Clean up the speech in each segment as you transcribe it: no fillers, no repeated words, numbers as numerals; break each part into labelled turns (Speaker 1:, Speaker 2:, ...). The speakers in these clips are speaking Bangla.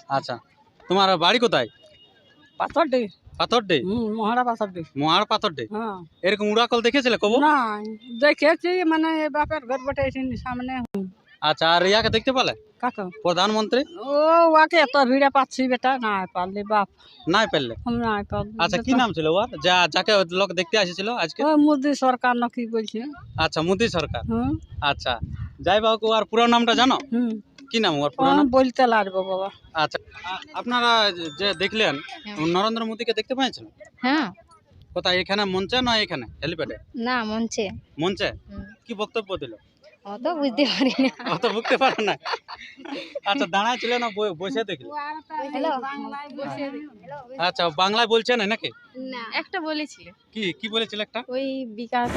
Speaker 1: আচ্ছা, তোমার বাড়ি কোথায়?
Speaker 2: পাথরডি।
Speaker 1: পাথরডি?
Speaker 2: মহারা পাথরডি।
Speaker 1: মহার পাথরডি?
Speaker 2: হ্যাঁ।
Speaker 1: এরকম উড়াকল দেখেছিলে কবু?
Speaker 2: না, দেখেছি মানে বাপের ঘর বটে সামনে।
Speaker 1: আচ্ছা, আর ইয়াকে দেখতে পেলে?
Speaker 2: কাকে?
Speaker 1: প্রধানমন্ত্রী?
Speaker 2: ও ওকে এত ভিড়ে পাচ্ছি বেটা, না পারলি বাপ।
Speaker 1: নাই পেলে?
Speaker 2: না পারলি।
Speaker 1: আচ্ছা, কি নাম ছিল ওর যাকে লোক দেখতে আসছিল আজকে?
Speaker 2: ও মোদি সরকার না কি বলছে?
Speaker 1: আচ্ছা, মোদি সরকার।
Speaker 2: হুম।
Speaker 1: আচ্ছা, যাই হোক, ওর পুরো নামটা জানো?
Speaker 2: হুম।
Speaker 1: কি নাম ওর পুরো নাম?
Speaker 2: বলতে লাগবে বাবা।
Speaker 1: আচ্ছা, আপনারা যে দেখলেন নরেন্দ্র মোদীকে দেখতে পেয়েছেন?
Speaker 3: হ্যাঁ।
Speaker 1: কোথায়, এখানে মঞ্চে না এখানে হেলিপ্যাডে?
Speaker 3: না, মঞ্চে।
Speaker 1: মঞ্চে? কি বক্তব্য দিল?
Speaker 3: অত বুঝতে পারি না।
Speaker 1: অত বুঝতে পারে না। আচ্ছা, দাঁড়ায় ছিল না বসে দেখলে?
Speaker 3: হ্যালো।
Speaker 1: আচ্ছা, বাংলায় বলছে না নাকি?
Speaker 3: না, একটা বলেছিল।
Speaker 1: কি বলেছিল একটা?
Speaker 3: ওই বিকাশ।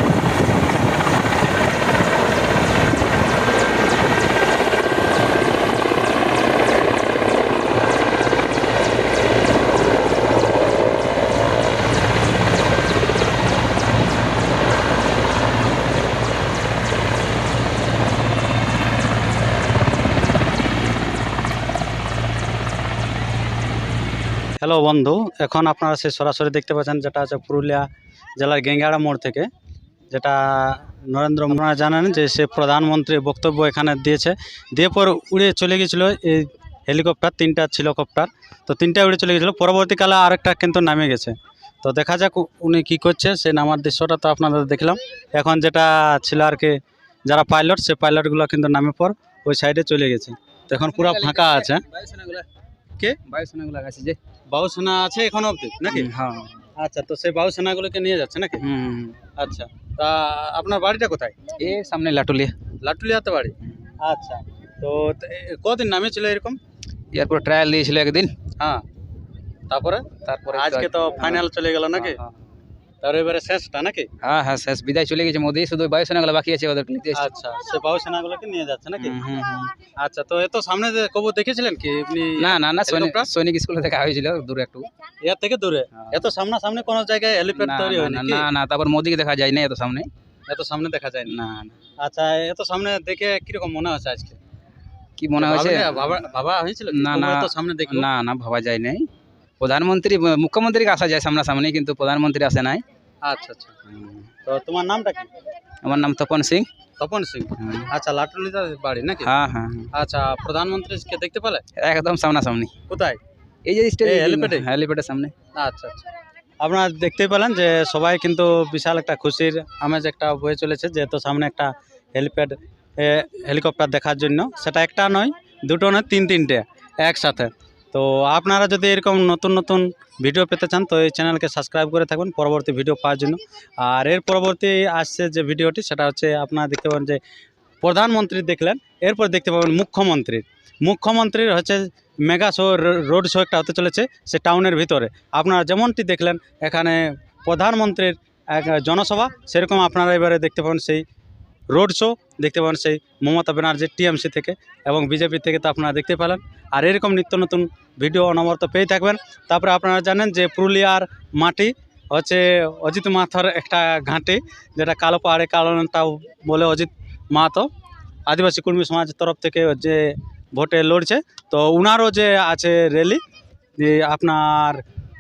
Speaker 1: হ্যালো বন্ধু, এখন আপনারা সে সরাসরি দেখতে পাচ্ছেন যেটা আছে পুরুলিয়া জেলার গেঙ্গাড়া মোড় থেকে, যেটা নরেন্দ্র মোদী জানেন যে সে প্রধানমন্ত্রী বক্তব্য এখানে দিয়েছে, দিয়ে পর উড়ে চলে গেছিলো এই হেলিকপ্টার, তিনটা ছিল কপ্টার, তো তিনটা উড়ে চলে গেছিলো। পরবর্তীকালে আরেকটা কিন্তু নামে গেছে, তো দেখা যাক উনি কী করছে। সে নামার দৃশ্যটা তো আপনাদের দেখলাম। এখন যেটা ছিল আর কি, যারা পাইলট, সে পাইলটগুলো কিন্তু নামে পর ওই সাইডে চলে গেছে, তো এখন পুরো ফাঁকা আছে। কে
Speaker 4: বায়ুসেনাগুলো আছে যে
Speaker 1: বায়ুসেনা আছে এখন অবধি নাকি?
Speaker 4: হ্যাঁ।
Speaker 1: আচ্ছা, তো সেই বায়ুসেনাগুলোকে নিয়ে যাচ্ছে নাকি? আচ্ছা, তা আপনার বাড়িটা কোথায়?
Speaker 4: এ সামনে লাটুলিয়া।
Speaker 1: লাটুলিয়াতে বাড়ি? আচ্ছা, তো কদিন নামেছিল এরকম?
Speaker 4: এরপর ট্রায়াল দিয়েছিল একদিন।
Speaker 1: হ্যাঁ, তারপরে আজকে তো ফাইনাল চলে গেল নাকি? তার এবারে শেষটা নাকি?
Speaker 4: হ্যাঁ হ্যাঁ, শেষ বিদায় চলে গেছে মোদি, শুধু বায়ুসেনাগুলো বাকি আছে, ওদেরকে নিতে এসেছে।
Speaker 1: আচ্ছা, সে বায়ুসেনাগুলোকে নিয়ে যাচ্ছে নাকি? আচ্ছা, তো এত সামনে কবু দেখেছিলেন কি আপনি?
Speaker 4: না না না,
Speaker 1: হেলিকপ্টার?
Speaker 4: সৈনিক স্কুলে দেখা হয়েছিল দূরে একটু।
Speaker 1: এর থেকে দূরে? এত সামনাসামনি কোনো জায়গায় হেলিপ্যাড
Speaker 4: না
Speaker 1: তৈরি
Speaker 4: না
Speaker 1: হয়নি
Speaker 4: না
Speaker 1: কি?
Speaker 4: না না, তারপর মোদিকে দেখা যায় না এত সামনে।
Speaker 1: এত সামনে দেখা যায়
Speaker 4: না
Speaker 1: না?
Speaker 4: না।
Speaker 1: আচ্ছা, এত সামনে দেখে কিরকম মনে হচ্ছে আজকে?
Speaker 4: কি মনে হয়েছে?
Speaker 1: ভাবা হয়েছিল
Speaker 4: না না
Speaker 1: এত সামনে দেখবো?
Speaker 4: না না, ভাবা যায় নাই। প্রধানমন্ত্রী মুখ্যমন্ত্রীকে আসা যায় সামনাসামনি, কিন্তু প্রধানমন্ত্রী আসে নাই।
Speaker 1: আচ্ছা আচ্ছা, তো তোমার নামটা কি?
Speaker 4: আমার নাম তপন সিং।
Speaker 1: তপন সিং? আচ্ছা, লাটুলিতে বাড়ি নাকি?
Speaker 4: হ্যাঁ হ্যাঁ।
Speaker 1: আচ্ছা, প্রধানমন্ত্রীকে দেখতে পেলে?
Speaker 4: একদম সামনাসামনি।
Speaker 1: কোথায়?
Speaker 4: এই যে
Speaker 1: হেলিপ্যাডে?
Speaker 4: হেলিপ্যাডের সামনে।
Speaker 1: আচ্ছা আচ্ছা, আপনারা দেখতেই পেলেন যে সবাই কিন্তু বিশাল একটা খুশির আমেজ একটা বয়ে চলেছে, যেহেতু সামনে একটা হেলিপ্যাড হেলিকপ্টার দেখার জন্য। সেটা একটা নয়, দুটো নয়, তিনটে একসাথে। তো আপনারা যদি এরকম নতুন নতুন ভিডিও পেতে চান তো এই চ্যানেলকে সাবস্ক্রাইব করে থাকবেন পরবর্তী ভিডিও পাওয়ার জন্য। আর এর পরবর্তী আসছে যে ভিডিওটি, সেটা হচ্ছে আপনারা দেখতে পাবেন যে প্রধানমন্ত্রী দেখলেন, এরপর দেখতে পাবেন মুখ্যমন্ত্রীর হচ্ছে মেগা শো, রোড শো একটা হতে চলেছে সে টাউনের ভিতরে। আপনারা যেমনটি দেখলেন এখানে প্রধানমন্ত্রীর এক জনসভা, সেরকম আপনারা এবারে দেখতে পাবেন সেই রোড শো, দেখতে পাবেন সেই মমতা ব্যানার্জির টিএমসি থেকে এবং বিজেপি থেকে, তো আপনারা দেখতে পেলেন। আর এরকম নিত্য নতুন ভিডিও অনবরত পেয়ে থাকবেন। তারপরে আপনারা জানেন যে পুরুলিয়ার মাটি হচ্ছে অজিত মাহাতোর একটা ঘাঁটি, যেটা কালো পাহাড়ে কালো নেতা বলে অজিত মাহাতো, আদিবাসী কর্মী সমাজের তরফ থেকে যে ভোটে লড়ছে। তো উনারও যে আছে র্যালি, যে আপনার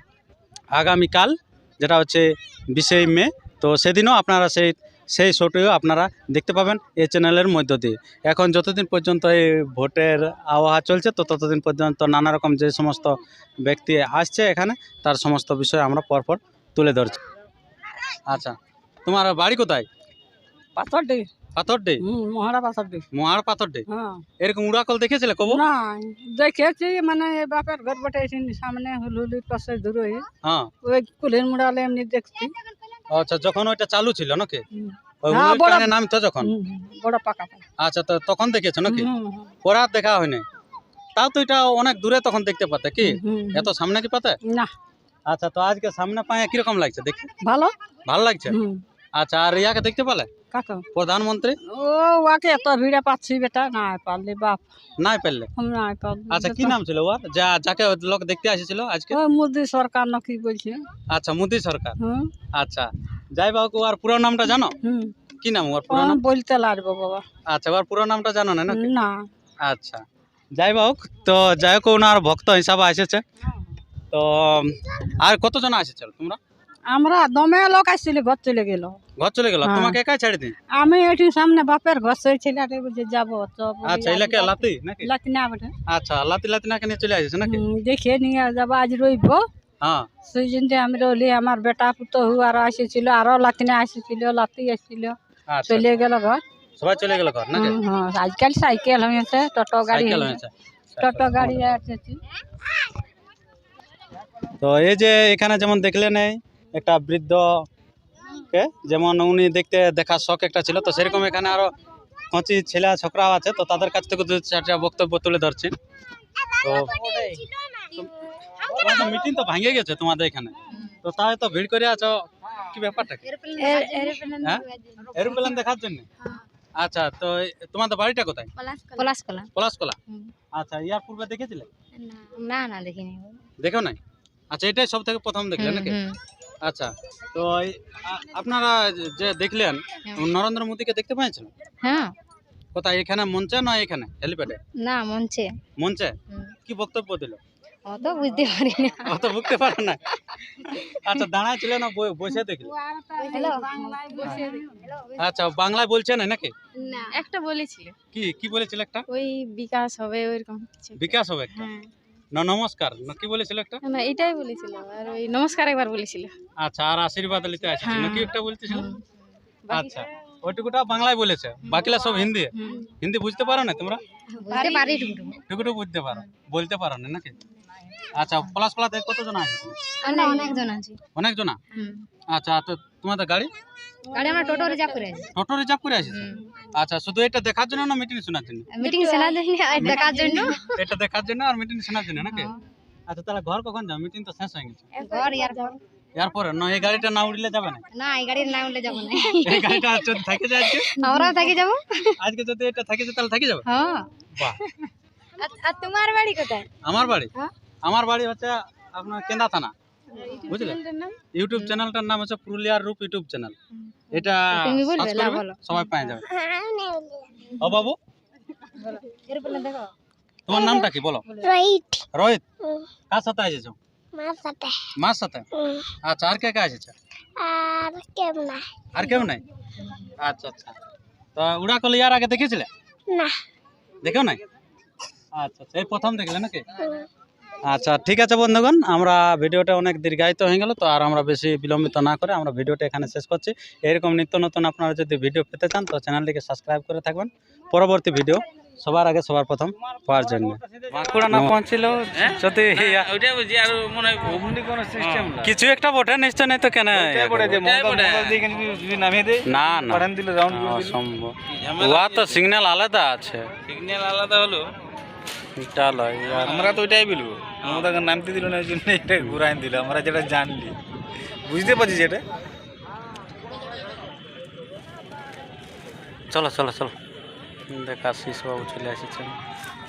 Speaker 1: আগামীকাল, যেটা হচ্ছে 20শে মে, তো সেদিনও আপনারা সেই শোটিও আপনারা দেখতে পাবেন এই চ্যানেলের মধ্য দিয়ে। এখন যতদিন পর্যন্ত এই ভোটের আবহাওয়া চলছে, তো ততদিন পর্যন্ত নানা রকম যে সমস্ত ব্যক্তি আসছে এখানে, তার সমস্ত বিষয় আমরা পরপর তুলে ধরছি। আচ্ছা, তোমার বাড়ি কোথায়?
Speaker 2: পাথরডি।
Speaker 1: পাথরডি?
Speaker 2: মহারা পাথরডি।
Speaker 1: মহার পাথরডি?
Speaker 2: হ্যাঁ।
Speaker 1: এরকম উড়াকল দেখেছিলে কবু?
Speaker 2: না, দেখেছি মানে বাপের ঘর বটে সামনে হুলহুলির পাশে দূরে।
Speaker 1: হ্যাঁ।
Speaker 2: ওই কুলের মুড়ালে এমনি দেখছি।
Speaker 1: আচ্ছা, যখন ওইটা চালু ছিল নাকি? ওই
Speaker 2: হ্যাঁ,
Speaker 1: উড়োর কানে নামতো যখন?
Speaker 2: বড় পাকাটা।
Speaker 1: আচ্ছা, তো তখন দেখেছো নাকি? পরে আর দেখা হয়নি? তাও তো এটা অনেক দূরে তখন দেখতে পাতে কি? এত সামনে কি পাতে
Speaker 2: না?
Speaker 1: আচ্ছা, তো আজকে সামনে পায়ে কিরকম লাগছে দেখি? ভালো লাগছে? আচ্ছা, আর ইয়াকে দেখতে পেলে?
Speaker 2: কাকে?
Speaker 1: প্রধানমন্ত্রী?
Speaker 2: ও ওকে এত ভিড়ে পাচ্ছি বেটা, না পারলি বাপ।
Speaker 1: নাই পেলে?
Speaker 2: না পারলি।
Speaker 1: আচ্ছা, কি নাম ছিল ওর যাকে লোক দেখতে আসছিল আজকে?
Speaker 2: ও মোদি সরকার না কি বলছে?
Speaker 1: আচ্ছা, মোদি সরকার। আচ্ছা, যাই হোক, ওর পুরো নামটা জানো? কি নাম ওর পুরো নাম?
Speaker 2: বলতে লাগবে বাবা।
Speaker 1: আচ্ছা, ওর পুরো নামটা জানো না নাকি?
Speaker 2: না।
Speaker 1: আচ্ছা, যাই হোক, তো যাই হোক ওনার ভক্ত হিসাবে এসেছে। তো আর কতজন এসেছে তোমরা?
Speaker 2: আমরা দমে লোক আসছিল, ঘর চলে গেল।
Speaker 1: ঘর চলে গেল,
Speaker 2: হ্যাঁ।
Speaker 1: তোমাকে একাই ছেড়ে দিন?
Speaker 2: আমি এটি সামনে বাপের ঘর সইছিল, যে যাবো তো
Speaker 1: আচ্ছা, এলাকে লাতি নাকি?
Speaker 2: লাতি না বটে।
Speaker 1: আচ্ছা, লাতি লাতি নাকে নিয়ে চলে আসছে নাকি?
Speaker 2: দেখে নিয়ে যাবো, আজ রইব।
Speaker 1: হ্যাঁ,
Speaker 2: সেই জন্য আমি রইলি, আমার বেটা পুতহু আরো আসেছিল, আরো লাতিনে আসেছিল, লাতি আসছিল,
Speaker 1: আচ্ছা,
Speaker 2: চলে গেল ঘর।
Speaker 1: সবাই চলে গেল ঘর নাকি?
Speaker 2: হ্যাঁ, আজকাল সাইকেল হয়েছে, টোটো গাড়ি
Speaker 1: সাইকেল
Speaker 2: হয়েছে,
Speaker 1: হয়েছে।
Speaker 2: টোটো গাড়ি আসছে।
Speaker 1: তো এই যে এখানে যেমন দেখলেন এই একটা বৃদ্ধ কে, যেমন উনি দেখতে দেখার শখ একটা ছিল, তো সেরকম এখানে আরো কচি ছেলে ছোকরাও আছে, তো তাদের কাছ থেকে দু চারটা বক্তব্য তুলে ধরছি। তো মিটিং তো ভাঙে গেছে তোমাদের এখানে, তো তাই তো ভিড় করে আছো, কি ব্যাপারটা কি? হ্যাঁ, এরোপ্লেন দেখার জন্য? আচ্ছা, তো তোমাদের বাড়িটা কোথায়?
Speaker 3: পলাশকলা।
Speaker 1: পলাশকলা।
Speaker 3: হুম।
Speaker 1: আচ্ছা, ইয়ার পূর্বে দেখেছিলে?
Speaker 3: না না দেখিনি।
Speaker 1: দেখো নাই? আচ্ছা, এটাই সব থেকে প্রথম দেখলে নাকি? আচ্ছা, তো আপনারা যে দেখলেন নরেন্দ্র মোদীকে দেখতে পেয়েছেন?
Speaker 3: হ্যাঁ।
Speaker 1: কোথায়, এখানে মঞ্চে না এখানে হেলিপ্যাডে?
Speaker 3: না মঞ্চে।
Speaker 1: মঞ্চে। কি বক্তব্য দিল?
Speaker 3: অত বুঝতে পারি না।
Speaker 1: অত বুঝতে পারে না। আচ্ছা, দাঁড়ায় ছিল না বসে দেখলে? আচ্ছা, বাংলায় বলছে না নাকি?
Speaker 3: না একটা বলেছিল।
Speaker 1: কি কি বলেছিল একটা?
Speaker 3: ওই বিকাশ হবে ওইরকম কিছু।
Speaker 1: বিকাশ হবে একটা?
Speaker 3: হ্যাঁ।
Speaker 1: না, নমস্কার না, কি বলেছিল একটা?
Speaker 3: না এটাই বলেছিল, আর ওই নমস্কার একবার বলেছিল।
Speaker 1: আচ্ছা, আর আশীর্বাদ নিতে আসছে
Speaker 3: হ্যাঁ।
Speaker 1: নাকি একটা বলতেছিল?
Speaker 3: বাকি
Speaker 1: আচ্ছা, ওইটুকুটা বাংলায় বলেছে, বাকিলা সব হিন্দি। হিন্দি বুঝতে পারো না তোমরা?
Speaker 3: বুঝতে পারি
Speaker 1: টুকুটুকু বুঝতে পারো, বলতে পারো না নাকি? আচ্ছা, পলাশকলাতে কতজন আছে?
Speaker 3: অনেকজন আছে।
Speaker 1: অনেকজন? আচ্ছা, তো তোমাদের গাড়ি?
Speaker 3: গাড়ি আমরা টোটো রিজার্ভ করে আছি।
Speaker 1: টোটো রিজার্ভ করে আসিস? আচ্ছা, শুধু এটা দেখার জন্য না মিটিং শোনার জন্য?
Speaker 3: মিটিং শোনার জন্য আর দেখার জন্য।
Speaker 1: এটা দেখার জন্য আর মিটিং শোনার জন্য নাকি? আচ্ছা, তাহলে ঘর কখন যাও? মিটিং তো শেষ হয়ে গেছে।
Speaker 3: ঘর ইয়ার পর।
Speaker 1: এরপরে না, এই গাড়িটা না উঠলে যাবে না?
Speaker 3: না এই গাড়ির না উঠলে যাবো না।
Speaker 1: এই গাড়িটা যদি থাকে যায় আজকে,
Speaker 3: আমরাও থাকি যাবো।
Speaker 1: আজকে যদি এটা থাকে যায় তাহলে থাকে যাবে?
Speaker 3: হ্যাঁ।
Speaker 1: বাহ।
Speaker 3: আর তোমার বাড়ি কোথায়?
Speaker 1: আমার বাড়ি?
Speaker 3: হ্যাঁ।
Speaker 1: আমার বাড়ি হচ্ছে আপনার কেন্দা থানা, বুঝলে? ইউটিউব চ্যানেলটার নাম হচ্ছে পুরুলিয়ার রূপ ইউটিউব চ্যানেল। এটা
Speaker 3: তুমি বলবে?
Speaker 1: সার্চ
Speaker 3: না
Speaker 1: করবে,
Speaker 3: বলো।
Speaker 1: সবাই পেয়ে যাবে। ও বাবু,
Speaker 3: এরপরে দেখো।
Speaker 1: তোমার নামটা কি বলো?
Speaker 5: রাইট
Speaker 1: রোহিত। কার সাথে এসেছো?
Speaker 5: মার সাথে
Speaker 1: মার সাথে? আচ্ছা, আর কে কে এসেছে?
Speaker 5: আর কেউ না
Speaker 1: আর কেউ নাই? আচ্ছা আচ্ছা, তো উড়া কলি আর আগে দেখেছিলে?
Speaker 5: না
Speaker 1: দেখো নাই? আচ্ছা আচ্ছা, এই প্রথম দেখলে নাকি? আচ্ছা, ঠিক আছে বন্ধুগণ, আমরা ভিডিওটা অনেক দীর্ঘায়িত হয়ে গেল, তো আর আমরা বেশি বিলম্বিত না করে আমরা ভিডিওটা এখানে শেষ করছি। এরকম নিত্য নতুন আপনারা যদি ভিডিও পেতে চান তো চ্যানেলটিকে সাবস্ক্রাইব করে থাকবেন, পরবর্তী ভিডিও সবার আগে সবার প্রথম পাওয়ার জন্য। বাঁকুড়া না পৌঁছিল যদি কিছু একটা বটে নিশ্চয়, নাই তো কেন? না না, অসম্ভব। ওয়া তো সিগন্যাল আলাদা আছে।
Speaker 4: সিগন্যাল আলাদা হলো,
Speaker 1: চলো ইয়ার,
Speaker 4: আমরা তো ওইটাই বলবো। আমাদের নামতে দিল না, ওই জন্য এটা ঘুরাই দিল। আমরা যেটা জানলি, বুঝতে পারছি যেটা।
Speaker 1: চলো চলো চলো, দেখা শিশু বাবু চলে এসেছেন।